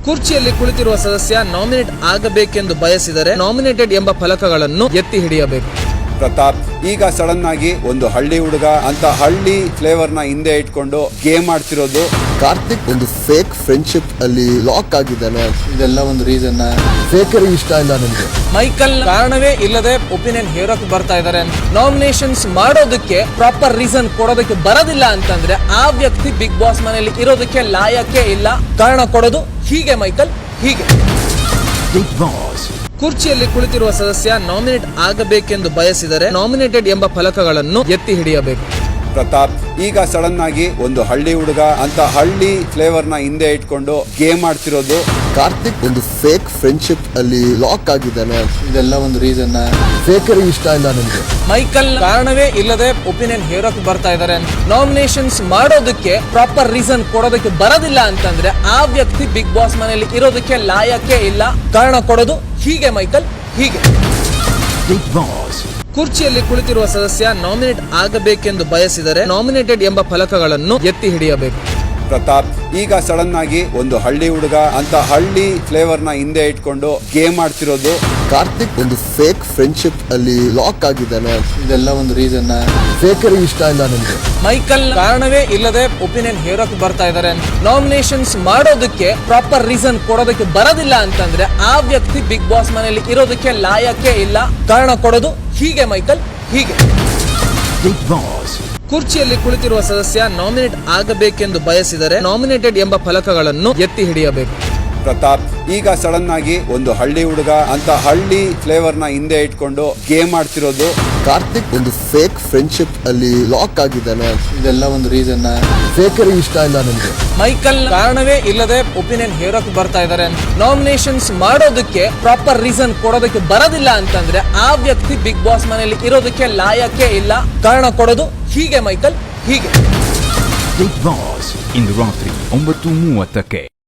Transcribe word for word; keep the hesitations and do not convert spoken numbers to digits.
ಕುರ್ಚಿಯಲ್ಲಿ ಕುಳಿತಿರುವ ಸದಸ್ಯ ನಾಮಿನೇಟ್ ಆಗಬೇಕೆಂದು ಬಯಸಿದರೆ ನಾಮಿನೇಟೆಡ್ ಎಂಬ ಫಲಕಗಳನ್ನು ಎತ್ತಿ ಹಿಡಿಯಬೇಕು. ಪ್ರತಾಪ್ ಈಗ ಸಡನ್ ಆಗಿ ಒಂದು ಹಳ್ಳಿ ಹುಡುಗ ಅಂತ ಹಳ್ಳಿ ಫ್ಲೇವರ್ ನ ಹಿಂದೆ ಇಟ್ಕೊಂಡು ಗೇಮ್ ಆಡ್ತಿರೋದು. ಕಾರ್ತಿಕ್ ಒಂದು ಫೇಕ್ ಫ್ರೆಂಡ್ಶಿಪ್ ಅಲ್ಲಿ ಲಾಕ್ ಆಗಿದ್ದಾನೆ. ಇದೆಲ್ಲ ಒಂದು ರೀಸನ್. ಫೇಕರಿ ಇಷ್ಟ ಇಲ್ಲ ನನಗೆ. ಮೈಕಲ್ ಕಾರಣವೇ ಇಲ್ಲದೆ ಒಪಿನಿಯನ್ ಹೇರೋಕ್ ಬರ್ತಾ ಇದಾರೆ. ನಾಮಿನೇಷನ್ಸ್ ಮಾಡೋದಕ್ಕೆ ಪ್ರಾಪರ್ ರೀಸನ್ ಕೊಡೋದಕ್ಕೆ ಬರೋದಿಲ್ಲ ಅಂತಂದ್ರೆ ಆ ವ್ಯಕ್ತಿ ಬಿಗ್ ಬಾಸ್ ಮನೆಯಲ್ಲಿ ಇರೋದಕ್ಕೆ ಲಾಯಕ್ಕೆ ಇಲ್ಲ. ಕಾರಣ ಕೊಡೋದು ಹೀಗೆ ಮೈಕಲ್, ಹೀಗೆ. ಬಿಗ್ ಬಾಸ್ ಕುರ್ಚಿಯಲ್ಲಿ ಕುಳಿತಿರುವ ಸದಸ್ಯ ನಾಮಿನೇಟ್ ಆಗಬೇಕೆಂದು ಬಯಸಿದರೆ ನಾಮಿನೇಟೆಡ್ ಎಂಬ ಫಲಕಗಳನ್ನು ಎತ್ತಿ ಹಿಡಿಯಬೇಕು. ಪ್ರತಾಪ್ ಈಗ ಸಡನ್ ಆಗಿ ಒಂದು ಹಳ್ಳಿ ಹುಡುಗ ಅಂತ ಹಳ್ಳಿ ಫ್ಲೇವರ್ ನ ಹಿಂದೆ ಇಟ್ಕೊಂಡು ಗೇಮ್ ಆಡ್ತಿರೋದು. ಕಾರ್ತಿಕ್ ಒಂದು ಫೇಕ್ ಫ್ರೆಂಡ್ಶಿಪ್ ಅಲ್ಲಿ ಲಾಕ್ ಆಗಿದ್ದಾನೆ. ಇದೆಲ್ಲ ಒಂದು ರೀಸನ್. ಫೇಕರಿ ಇಷ್ಟ ಇಲ್ಲ ನನಗೆ. ಮೈಕಲ್ ಕಾರಣವೇ ಇಲ್ಲದೆ ಒಪಿನಿಯನ್ ಹೇರೋಕ್ ಬರ್ತಾ ಇದಾರೆ. ನಾಮಿನೇಷನ್ಸ್ ಮಾಡೋದಕ್ಕೆ ಪ್ರಾಪರ್ ರೀಸನ್ ಕೊಡೋದಕ್ಕೆ ಬರೋದಿಲ್ಲ ಅಂತಂದ್ರೆ ಆ ವ್ಯಕ್ತಿ ಬಿಗ್ ಬಾಸ್ ಮನೆಯಲ್ಲಿ ಇರೋದಕ್ಕೆ ಲಾಯಕ್ಕೆ ಇಲ್ಲ. ಕಾರಣ ಕೊಡೋದು ಹೀಗೆ ಮೈಕಲ್, ಹೀಗೆ. ಬಿಗ್ ಬಾಸ್ ಕುರ್ಚಿಯಲ್ಲಿ ಕುಳಿತಿರುವ ಸದಸ್ಯ ನಾಮಿನೇಟ್ ಆಗಬೇಕೆಂದು ಬಯಸಿದರೆ ನಾಮಿನೇಟೆಡ್ ಎಂಬ ಫಲಕಗಳನ್ನು ಎತ್ತಿ ಹಿಡಿಯಬೇಕು. ಪ್ರತಾಪ್ ಈಗ ಸಡನ್ ಆಗಿ ಒಂದು ಹಳ್ಳಿ ಹುಡುಗ ಅಂತ ಹಳ್ಳಿ ಫ್ಲೇವರ್ ನ ಹಿಂದೆ ಇಟ್ಕೊಂಡು ಗೇಮ್ ಆಡ್ತಿರೋದು. ಕಾರ್ತಿಕ್ ಒಂದು ಫೇಕ್ ಫ್ರೆಂಡ್ಶಿಪ್ ಅಲ್ಲಿ ಲಾಕ್ ಆಗಿದ್ದಾನೆ. ಇದೆಲ್ಲ ಒಂದು ರೀಸನ್. ಫೇಕರಿ ಇಷ್ಟ ಇಲ್ಲ ನನಗೆ. ಮೈಕಲ್ ಕಾರಣವೇ ಇಲ್ಲದೆ ಒಪಿನಿಯನ್ ಹೇರೋಕ್ ಬರ್ತಾ ಇದಾರೆ. ನಾಮಿನೇಷನ್ಸ್ ಮಾಡೋದಕ್ಕೆ ಪ್ರಾಪರ್ ರೀಸನ್ ಕೊಡೋದಕ್ಕೆ ಬರೋದಿಲ್ಲ ಅಂತಂದ್ರೆ ಆ ವ್ಯಕ್ತಿ ಬಿಗ್ ಬಾಸ್ ಮನೆಯಲ್ಲಿ ಇರೋದಕ್ಕೆ ಲಾಯಕ್ಕೆ ಇಲ್ಲ. ಕಾರಣ ಕೊಡೋದು ಹೀಗೆ ಮೈಕಲ್, ಹೀಗೆ. ಬಿಗ್ ಬಾಸ್ ಕುರ್ಚಿಯಲ್ಲಿ ಕುಳಿತಿರುವ ಸದಸ್ಯ ನಾಮಿನೇಟ್ ಆಗಬೇಕೆಂದು ಬಯಸಿದರೆ ನಾಮಿನೇಟೆಡ್ ಎಂಬ ಫಲಕಗಳನ್ನು ಎತ್ತಿ ಹಿಡಿಯಬೇಕು. ಪ್ರತಾಪ್ ಈಗ ಸಡನ್ ಆಗಿ ಒಂದು ಹಳ್ಳಿ ಹುಡುಗ ಅಂತ ಹಳ್ಳಿ ಫ್ಲೇವರ್ ನ ಹಿಂದೆ ಇಟ್ಕೊಂಡು ಗೇಮ್ ಆಡ್ತಿರೋದು. ಕಾರ್ತಿಕ್ ಒಂದು ಫೇಕ್ ಫ್ರೆಂಡ್ಶಿಪ್ ಅಲ್ಲಿ ಲಾಕ್ ಆಗಿದ್ದಾನೆ. ಇದೆಲ್ಲ ಒಂದು ರೀಸನ್. ಫೇಕರಿ ಇಷ್ಟ ಇಲ್ಲ ನನಗೆ. ಮೈಕಲ್ ಕಾರಣವೇ ಇಲ್ಲದೆ ಒಪಿನಿಯನ್ ಹೇರೋಕ್ ಬರ್ತಾ ಇದಾರೆ. ನಾಮಿನೇಷನ್ಸ್ ಮಾಡೋದಕ್ಕೆ ಪ್ರಾಪರ್ ರೀಸನ್ ಕೊಡೋದಕ್ಕೆ ಬರೋದಿಲ್ಲ ಅಂತಂದ್ರೆ ಆ ವ್ಯಕ್ತಿ ಬಿಗ್ ಬಾಸ್ ಮನೆಯಲ್ಲಿ ಇರೋದಕ್ಕೆ ಲಾಯಕ್ಕೆ ಇಲ್ಲ. ಕಾರಣ ಕೊಡೋದು ಹೀಗೆ ಮೈಕಲ್, ಹೀಗೆ. ಬಿಗ್ ಬಾಸ್ ಇಂದು ರಾತ್ರಿ ಒಂಬತ್ತು ಮೂವತ್ತಕ್ಕೆ.